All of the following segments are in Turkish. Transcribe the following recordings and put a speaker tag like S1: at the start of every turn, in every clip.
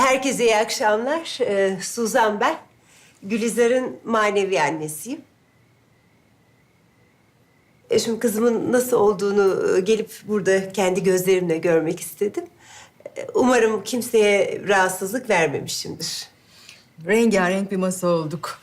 S1: Herkese iyi akşamlar. Suzan ben. Gülizar'ın manevi annesiyim. Şimdi kızımın nasıl olduğunu gelip burada kendi gözlerimle görmek istedim. Umarım kimseye rahatsızlık vermemişimdir.
S2: Rengarenk bir masa olduk.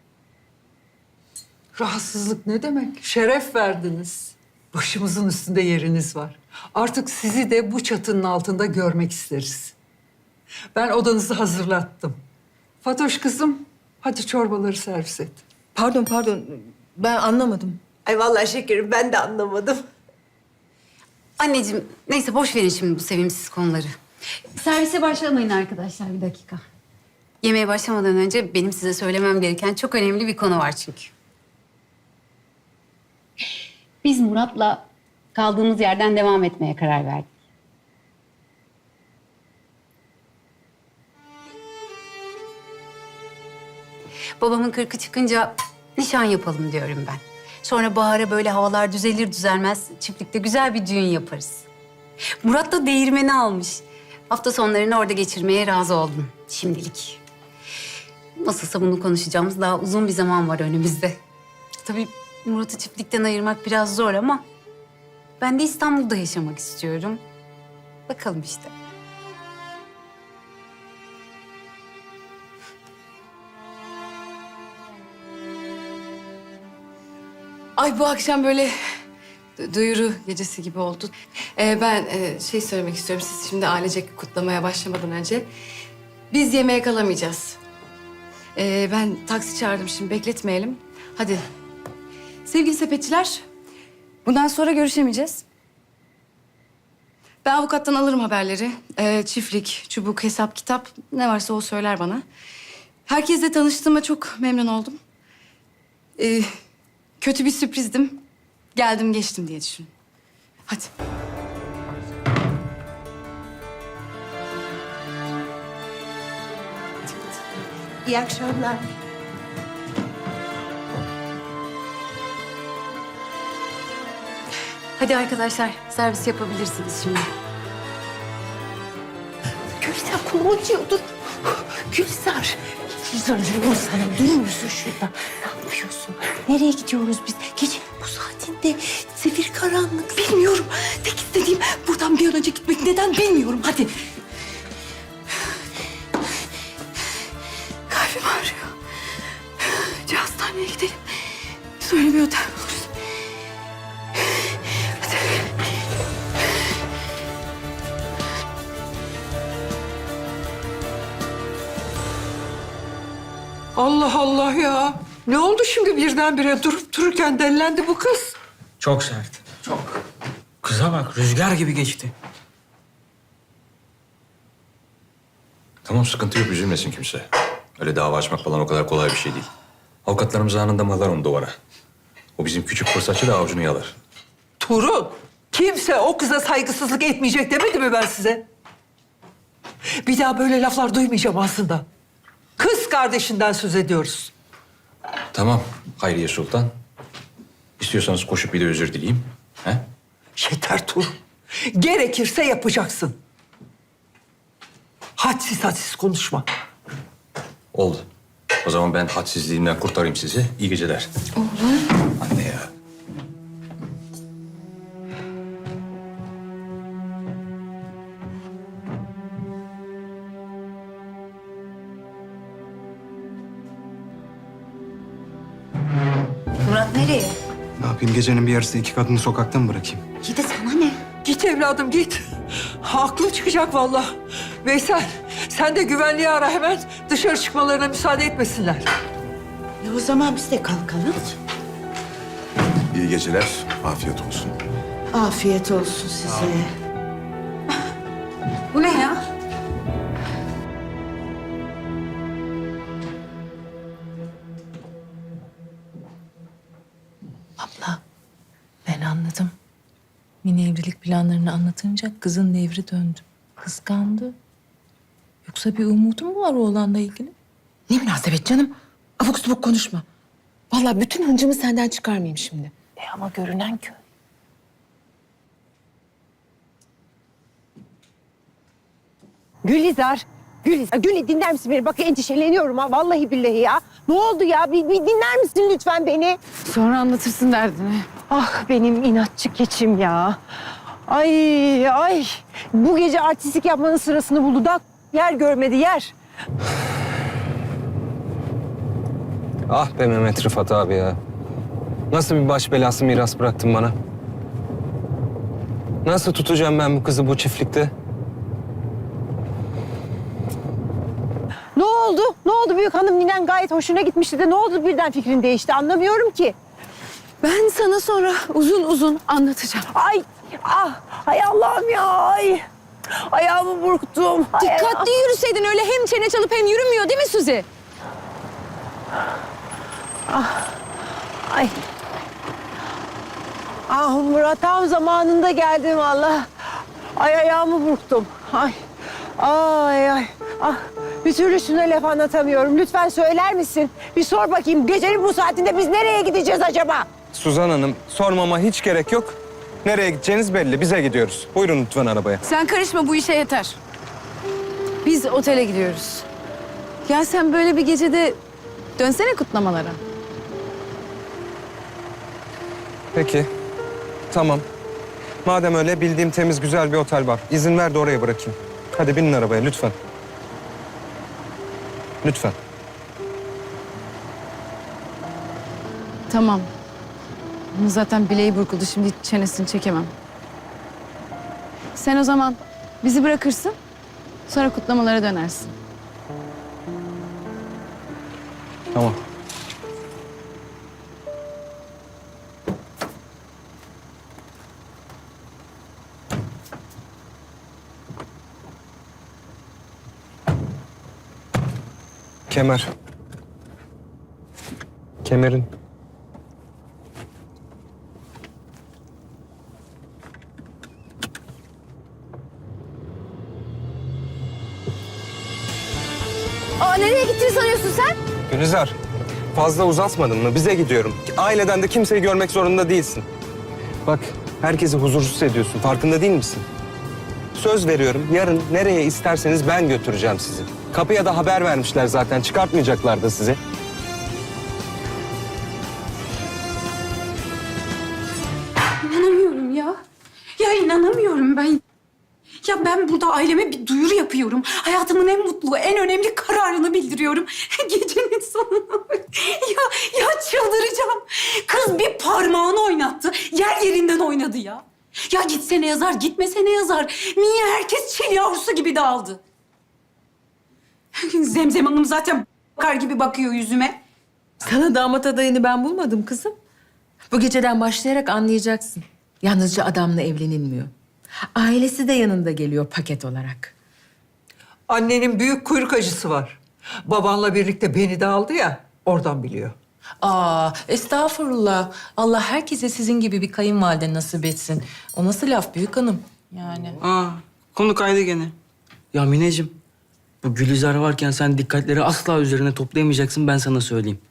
S3: Rahatsızlık ne demek? Şeref verdiniz. Başımızın üstünde yeriniz var. Artık sizi de bu çatının altında görmek isteriz. Ben odanızı hazırlattım. Fatoş kızım, hadi çorbaları servis et.
S2: Pardon. Ben anlamadım.
S1: Ay vallahi şekerim ben de anlamadım.
S4: Anneciğim, neyse boş verin şimdi bu sevimsiz konuları. Servise başlamayın arkadaşlar, bir dakika. Yemeğe başlamadan önce benim size söylemem gereken çok önemli bir konu var çünkü. Biz Murat'la kaldığımız yerden devam etmeye karar verdik. Babamın 40'ı çıkınca nişan yapalım diyorum ben. Sonra bahara böyle havalar düzelir düzelmez çiftlikte güzel bir düğün yaparız. Murat da değirmeni almış. Hafta sonlarını orada geçirmeye razı oldum şimdilik. Nasılsa bunu konuşacağımız daha uzun bir zaman var önümüzde. Tabii Murat'ı çiftlikten ayırmak biraz zor ama ben de İstanbul'da yaşamak istiyorum. Bakalım işte.
S2: Ay bu akşam böyle duyuru gecesi gibi oldu. Ben şey söylemek istiyorum. Siz şimdi ailecek kutlamaya başlamadan önce biz yemeğe kalamayacağız. Ben taksi çağırdım şimdi bekletmeyelim. Hadi. Sevgili sepetçiler, bundan sonra görüşemeyeceğiz. Ben avukattan alırım haberleri. Çiftlik, çubuk, hesap, kitap ne varsa o söyler bana. Herkesle tanıştığıma çok memnun oldum. Kötü bir sürprizdim. Geldim geçtim diye düşün. Hadi.
S1: İyi akşamlar.
S4: Hadi arkadaşlar servis yapabilirsiniz şimdi.
S1: Gülizar kolumu acıyordu. Gülizar. Gülizar'cığım sen durmuyorsun şurada. Ne yapıyorsun? Nereye gidiyoruz biz? Gecenin bu saatinde zifir karanlık.
S2: Bilmiyorum. Tek istediğim buradan bir an önce gitmek. Neden bilmiyorum. Hadi. Kalbim ağrıyor. Önce hastaneye gidelim. Sonra bir otel buluruz. Hadi.
S3: Allah Allah ya. Ne oldu şimdi birdenbire durup dururken delilendi bu kız?
S5: Çok sert. Çok. Kıza bak rüzgar gibi geçti.
S6: Tamam sıkıntı yok üzülmesin kimse. Öyle dava açmak falan o kadar kolay bir şey değil. Avukatlarımız anında mıhlar onu duvara. O bizim küçük fırsatçı da avucunu yalar.
S3: Tuğrul, kimse o kıza saygısızlık etmeyecek demedi mi ben size? Bir daha böyle laflar duymayacağım aslında. Kız kardeşinden söz ediyoruz.
S6: Tamam Hayriye Sultan. İstiyorsanız koşup bir de özür dileyeyim. He?
S3: Yeter Tuğrul. Gerekirse yapacaksın. Hadsiz konuşma.
S6: Oldu. O zaman ben hadsizliğimden kurtarayım sizi. İyi geceler. Anne ya.
S4: Murat nereye?
S7: Ne yapayım gecenin bir yarısı iki kadını sokakta mı bırakayım?
S4: İyi de sana ne?
S3: Git evladım git. Aklım çıkacak vallahi. Veysel sen de güvenliği ara hemen dışarı çıkmalarına müsaade etmesinler.
S1: O zaman biz de kalkalım.
S8: İyi geceler, afiyet olsun.
S1: Afiyet olsun size.
S4: Bu ne ya?
S9: Abla, ben anladım. Mini evlilik planlarını anlatınca kızın devri döndü. Kıskandı. Yoksa bir umudu mu var oğlanla ilgili?
S10: Ne münasebet canım. Abuk subuk konuşma. Vallahi bütün hıncımı senden çıkarmayayım şimdi.
S9: Ama görünen köy.
S1: Gülizar, Gül dinler misin beni? Bak endişeleniyorum ha vallahi billahi ya. Ne oldu ya? Bir dinler misin lütfen beni?
S2: Sonra anlatırsın derdini.
S1: Ah benim inatçı keçim ya. Ay. Bu gece artistik yapmanın sırasını buldu da yer görmedi yer.
S7: Ah be Mehmet Rıfat abi ya. Nasıl bir baş belası miras bıraktın bana? Nasıl tutacağım ben bu kızı bu çiftlikte?
S1: Ne oldu? Ne oldu büyük hanım? Ninen gayet hoşuna gitmişti de ne oldu birden fikrin değişti? Anlamıyorum ki.
S2: Ben sana sonra uzun uzun anlatacağım.
S1: Ay Allah'ım ya. Ay. Ayağımı burktum.
S2: Dikkatli yürüseydin öyle hem çene çalıp hem yürümüyor değil mi Suzi?
S1: Ay. Ah Murat tam zamanında geldim valla. Ay ayağımı burktum. Ay. Ah bir türlü şuna laf anlatamıyorum. Lütfen söyler misin? Bir sor bakayım gecenin bu saatinde biz nereye gideceğiz acaba?
S7: Suzan Hanım, sormama hiç gerek yok. Nereye gideceğiniz belli. Bize gidiyoruz. Buyurun lütfen arabaya.
S2: Sen karışma bu işe yeter. Biz otele gidiyoruz. Ya sen böyle bir gecede dönsene kutlamalara.
S7: Peki. Tamam. Madem öyle bildiğim temiz güzel bir otel var. İzin ver de oraya bırakayım. Hadi binin arabaya lütfen. Lütfen.
S2: Tamam. Bunun zaten bileği burkuldu. Şimdi hiç çenesini çekemem. Sen o zaman bizi bırakırsın. Sonra kutlamalara dönersin.
S7: Tamam. Kemer. Kemerin.
S2: Aa nereye gittiğini sanıyorsun sen?
S7: Gülizar, fazla uzatmadın mı? Bize gidiyorum. Aileden de kimseyi görmek zorunda değilsin. Bak, herkesi huzursuz ediyorsun. Farkında değil misin? Söz veriyorum, yarın nereye isterseniz ben götüreceğim sizi. Kapıya da haber vermişler zaten. Çıkartmayacaklar da sizi.
S4: İnanamıyorum ya. Ya inanamıyorum ben. Ya ben burada aileme bir duyuru yapıyorum. Hayatımın en mutlu, en önemli kararını bildiriyorum. Gecenin sonuna bak. Ya çıldıracağım. Kız bir parmağını oynattı. Yer yerinden oynadı ya. Ya gitsene yazar, gitmesene yazar. Niye herkes çil yavrusu gibi dağıldı? Zemzem Hanım zaten bakar gibi bakıyor yüzüme.
S9: Sana damat adayını ben bulmadım kızım. Bu geceden başlayarak anlayacaksın. Yalnızca adamla evlenilmiyor. Ailesi de yanında geliyor paket olarak.
S3: Annenin büyük kuyruk acısı var. Babanla birlikte beni de aldı ya, oradan biliyor.
S9: Estağfurullah. Allah herkese sizin gibi bir kayınvalide nasip etsin. O nasıl laf büyük hanım? Yani.
S5: Konu kaydı gene. Ya Mineciğim, bu Gülizar varken sen dikkatleri asla üzerine toplayamayacaksın, ben sana söyleyeyim.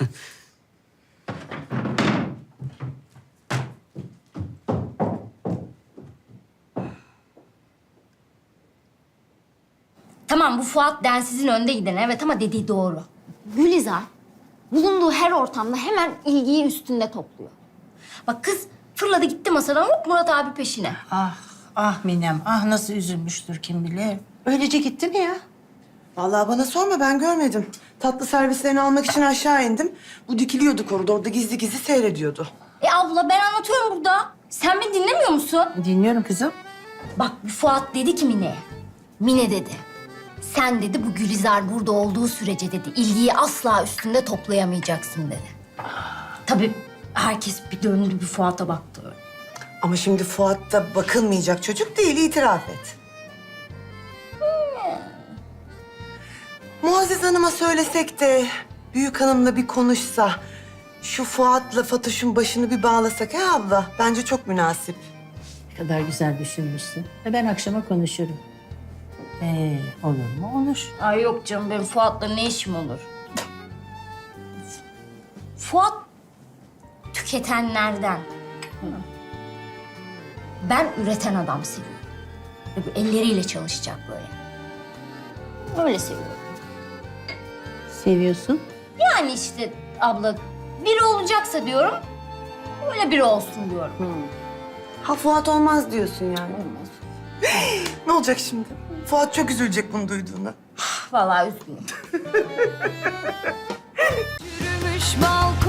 S11: Tamam bu Fuat densizin önde giden evet ama dediği doğru. Gülizar bulunduğu her ortamda hemen ilgiyi üstünde topluyor. Bak kız fırladı gitti masadan hop Murat abi peşine.
S12: Ah Minem, ah nasıl üzülmüştür kim bilir. Öylece gitti mi ya?
S13: Vallahi bana sorma ben görmedim. Tatlı servislerini almak için aşağı indim. Bu dikiliyordu koridorda gizli gizli seyrediyordu.
S11: Abla ben anlatıyorum burada. Sen beni dinlemiyor musun?
S12: Dinliyorum kızım.
S11: Bak bu Fuat dedi ki Mine'ye. Mine dedi. Sen dedi bu Gülizar burada olduğu sürece dedi ilgiyi asla üstünde toplayamayacaksın dedi. Tabii herkes bir döndü bir Fuat'a baktı öyle.
S13: Ama şimdi Fuat da bakılmayacak çocuk değil, itiraf et. Muazzez Hanım'a söylesek de büyük hanımla bir konuşsa... ...şu Fuat'la Fatoş'un başını bir bağlasak ha abla? Bence çok münasip.
S12: Ne kadar güzel düşünmüşsün. Ben akşama konuşurum. Olur mu? Olur.
S11: Ay yok canım benim Fuat'la ne işim olur? Fuat tüketenlerden. Ben üreten adam seviyorum. Ve bu elleriyle çalışacak böyle. Öyle seviyorum.
S1: Seviyorsun.
S11: Yani işte abla biri olacaksa diyorum, öyle biri olsun diyorum.
S13: Ha Fuat olmaz diyorsun yani.
S11: Olmaz.
S13: Ne olacak şimdi? Fuat çok üzülecek bunu duyduğuna.
S11: Vallahi üzgünüm.
S2: Yürümüş balkon.